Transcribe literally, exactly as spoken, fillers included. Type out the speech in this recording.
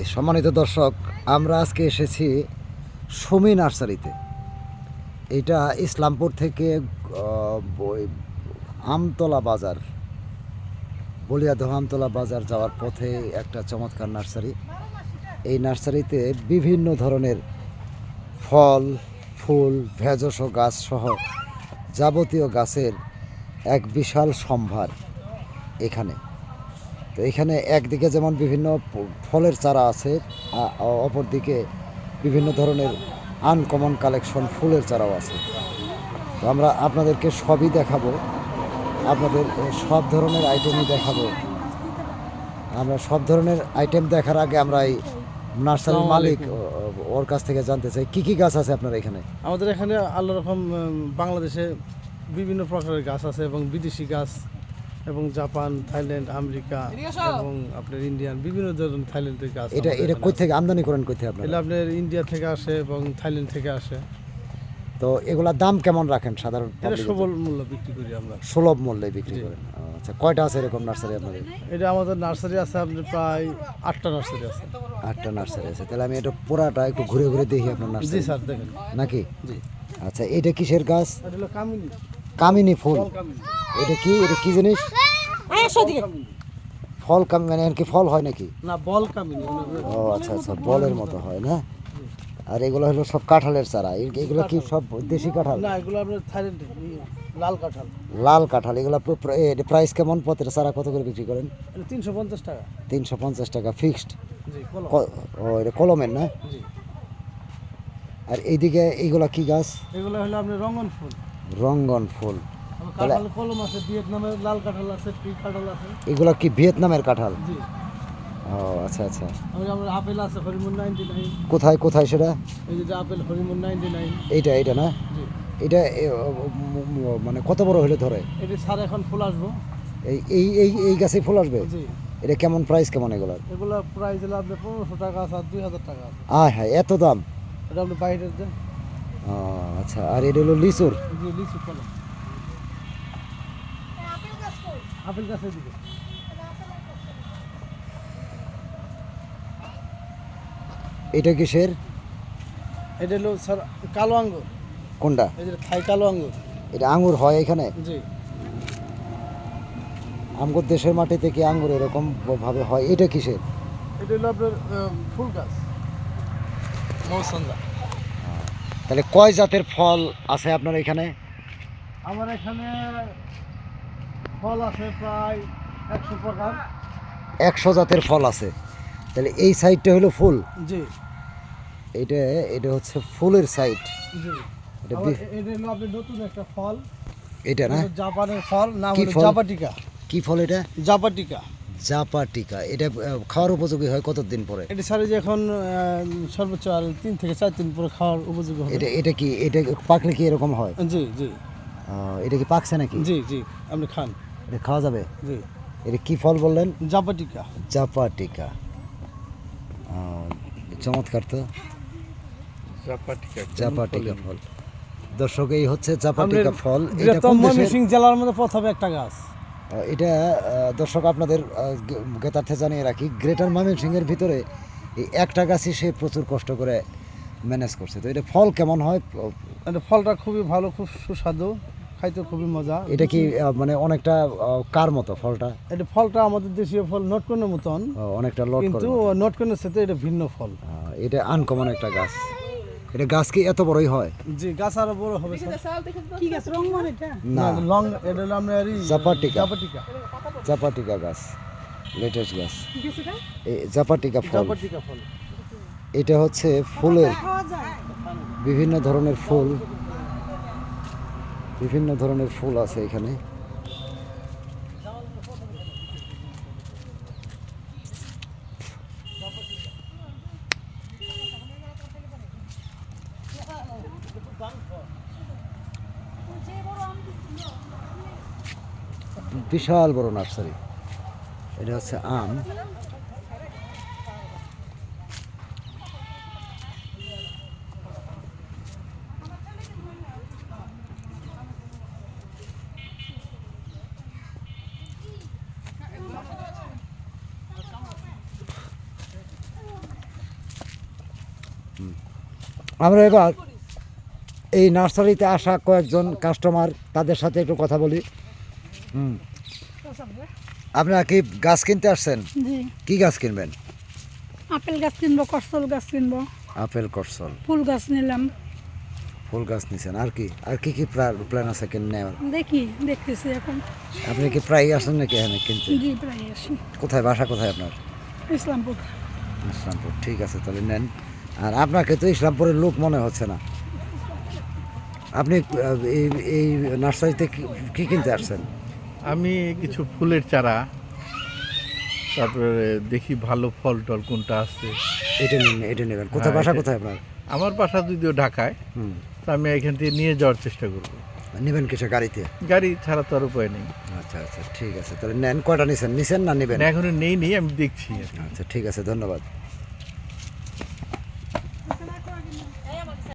সম্মানিত দর্শক, আমরা আজকে এসেছি সুমি নার্সারিতে। এটা ইসলামপুর থেকে আমতলা বাজার, বলিয়াদহ আমতলা বাজার যাওয়ার পথে একটা চমৎকার নার্সারি। এই নার্সারিতে বিভিন্ন ধরনের ফল, ফুল, ভেষজ গাছ সহ যাবতীয় গাছের এক বিশাল সম্ভার এখানে। তো এখানে একদিকে যেমন বিভিন্ন ফলের চারা আছে, অপরদিকে বিভিন্ন ধরনের আনকমন কালেকশন ফুলের চারাও আছে। তো আমরা আপনাদেরকে সবই দেখাবো, আপনাদের সব ধরনের আইটেমই দেখাবো। আমরা সব ধরনের আইটেম দেখার আগে আমরা এই নার্সারির মালিক ওর কাছ থেকে জানতে চাই কি কি গাছ আছে আপনার এখানে। আমাদের এখানে আল্লাহ রকম বাংলাদেশে বিভিন্ন প্রকারের গাছ আছে এবং বিদেশি গাছ এবং জাপান, থাইল্যান্ড, আমেরিকা এবং আপনার ইন্ডিয়ান বিভিন্ন ধরনের থাইল্যান্ডের গাছ। এটা এটা কই থেকে আমদানি করেন, কই থেকে আপনারা? এটা আপনার ইন্ডিয়া থেকে আসে এবং থাইল্যান্ড থেকে আসে। তো এগুলার দাম কেমন রাখেন সাধারণ? এটা সুলভ মূল্য বিক্রি করি আমরা। সুলভ মূল্যে বিক্রি করেন। আচ্ছা, কয়টা আছে এরকম নার্সারি আপনাদের? এটা আমাদের নার্সারি আছে আপনার প্রায় আটটা নার্সারি আছে। আটটা নার্সারি আছে, তাহলে আমি এটা পুরাটা একটু ঘুরে ঘুরে দেখি আপনার জি নার্সারি। স্যার, দেখেন। নাকি? জি। আচ্ছা, এটা কিসের গাছ? এটা হলো কামিনী। কামিনী ফুল। এটা কি, এটা কি জিনিস? ফল কাম মানে কি ফল হয় নাকি? না, বল কামিনী। ও আচ্ছা আচ্ছা, বলের মতো হয় না? আর এগুলো হলো সব কাঁঠালের চারা। এগুলো কি সব দেশি কাঁঠাল? না, এগুলো আপনার থাইল্যান্ডের লাল কাঁঠাল। লাল কাঁঠাল। এগুলো প্রাইস কেমন? প্রতিটা চারা কত করে বিক্রি করেন? এটা তিনশো পঞ্চাশ টাকা। তিনশো পঞ্চাশ টাকা ফিক্সড? জি, কলম। ও, এটা কলমের না? জি। আর এইদিকে এইগুলা কি গাছ? এগুলো হলো আপনার রঙ্গন ফুল। রঙ্গন ফুল। কাঁঠাল কলম আছে, ভিয়েতনামের লাল কাঁঠাল আছে, পিঙ্ক কাঁঠাল আছে। এগুলা কি ভিয়েতনামের কাঁঠাল? জি। ও আচ্ছা আচ্ছা। আমরা আপেল আছে হরিমন নাইনটি নাইন। কোথায় কোথায় সেটা? এই যে আপেল হরিমন নাইনটি নাইন। এইটা এইটা না? জি। এটা মানে কত বড় হলে ধরে? এটা স্যার এখন ফুল আসবো। এই এই এই এই গাছে ফুল আসবে? জি। এটা কেমন প্রাইস কেমন এগুলার? এগুলো প্রাইস হলো আপনার পনেরোশো টাকা আছে আর দুই হাজার টাকা আছে। আয় হ্যাঁ, এত দাম? এটা আপনি বাইরের যে। ও আচ্ছা। আর এটা হলো লিচুর? জি, লিচু কলম। আপেল গাছের দিকে। এটা কিসের? এটা হলো স্যার কালো আঙ্গুর। কোনটা? এই যে থাই কালো আঙ্গুর। এটা আঙ্গুর হয় এখানে? জি। আমগর দেশের মাটিতে কি আঙ্গুর এরকম ভাবে হয়? এটা কিসের? এটা হলো আপনার ফুল গাছ, মৌসন্দা। তাহলে কয় জাতের ফল আছে আপনার এখানে? আমার এখানে ফল আছে প্রায় একশো প্রকার। একশো জাতের ফল আছে। তাহলে এই সাইডটা হলো ফুল? জি। এটা এটা হচ্ছে ফুলের সাইড। জি। এটা এটা হলো আপনার নতুন একটা ফল। এটা না? জাপানের ফল, নাম কি হলো ফল? জাপাটিকা। কি ফল এটা? জাপাটিকা। জাপাটিকা। এটা আহ, খাওয়ার উপযোগী হয় কতদিন পরে? এটা স্যার যে এখন আহ, সর্বোচ্চ আর তিন থেকে চার দিন পরে খাওয়ার উপযোগী হবে। এটা এটা কি, এটা পাকলে কি এরকম হয়? জি জি। আহ, এটা কি পাকছে নাকি? জি জি, আপনি খান। এটা খাওয়া যাবে? জি। এটা কি ফল বললেন? জাপাটিকা। জাপাটিকা। আহ, চমৎকার তো। জাপাটিকা। জাপাটিকা ফল। দর্শক, এই হচ্ছে জাপাটিকা ফল। এটা এটা তো কোন দেশের? ময়মনসিংহ জেলার মধ্যে প্রথমে একটা গাছ। আহ, এটা আহ, দর্শক আপনাদের জ্ঞাতার্থে জানিয়ে রাখি, গ্রেটার ময়মনসিংহের ভিতরে এই একটা গাছই সে প্রচুর কষ্ট করে ম্যানেজ করছে। তো এটা ফল কেমন হয়? এটা ফলটা খুবই ভালো, খুব সুস্বাদু, খাইতে খুবই মজা। এটা কি আহ, মানে অনেকটা আহ, কার মতো ফলটা? এটা ফলটা আমাদের দেশীয় ফল নটকনের মতন, আহ, অনেকটা লট করে। কিন্তু নটকনের সাথে এটা ভিন্ন ফল। আহ, এটা আনকমন একটা গাছ। এটা গাছ কি এত বড়ই হয়? জি, গাছ আরো বড় হবে স্যার। কি গাছ রংমন এটা? না, লং, এটা হলো আমরা জাপাটিকা। জাপাটিকা। জাপাটিকা গাছ, লেটেস্ট গাছ। কি গাছ এটা? এই জাপাটিকা ফল। জাপাটিকা ফল। এটা হচ্ছে ফুলের, খাওয়া যায়? বিভিন্ন ধরনের ফুল, বিভিন্ন ধরনের ফুল আছে এখানে। বিশাল বড় নার্সারি। এটা হচ্ছে আম। আমরা এবার এই নার্সারিতে আসা কয়েকজন কাস্টমার তাদের সাথে একটু কথা বলি। হুম, আপনারা কি গাছ কিনতে আসছেন? জি, কি গাছ কিনবেন? আপেল গাছ কিনবো, করসল গাছ কিনবো, আপেল, করসল, ফুল গাছ নিলাম। ফুল গাছ নিছেন। আর কি আর কি কি প্ল্যান আছে কিনে নেওয়ার? দেখি, দেখতেছি এখন। আপনি কি প্রায় আসেন নাকি এখানে কিনতে? জি, প্রায় আসি। কোথায় বাসা, কোথায় আপনার? ইসলামপুর। ইসলামপুর, ঠিক আছে, তাহলে নেন। আর আপনাকে তো ইসলামপুরের লোক মনে হচ্ছে না। আপনি আহ, এই এই নার্সারিতে কি- কি কিনতে আসছেন? আমি কিছু ফুলের চারা, তারপরে দেখি ভালো ফল টল কোনটা আছে। এটা নিন, এটা নেবেন। কোথায় হ্যাঁ, বাসা, এটা- কোথায় আপনার? আমার বাসা যদিও ঢাকায়, হুম, তো আমি এখান থেকে নিয়ে যাওয়ার চেষ্টা করব। নেবেন কিসে, গাড়িতে? গাড়ি ছাড়া তো আর উপায় নেই। আচ্ছা আচ্ছা, ঠিক আছে, তাহলে নেন। কয়টা নিছেন? নিছেন না নেবেন? না, এখনো নেই নেই আমি দেখছি আর কি। আচ্ছা, ঠিক আছে, ধন্যবাদ।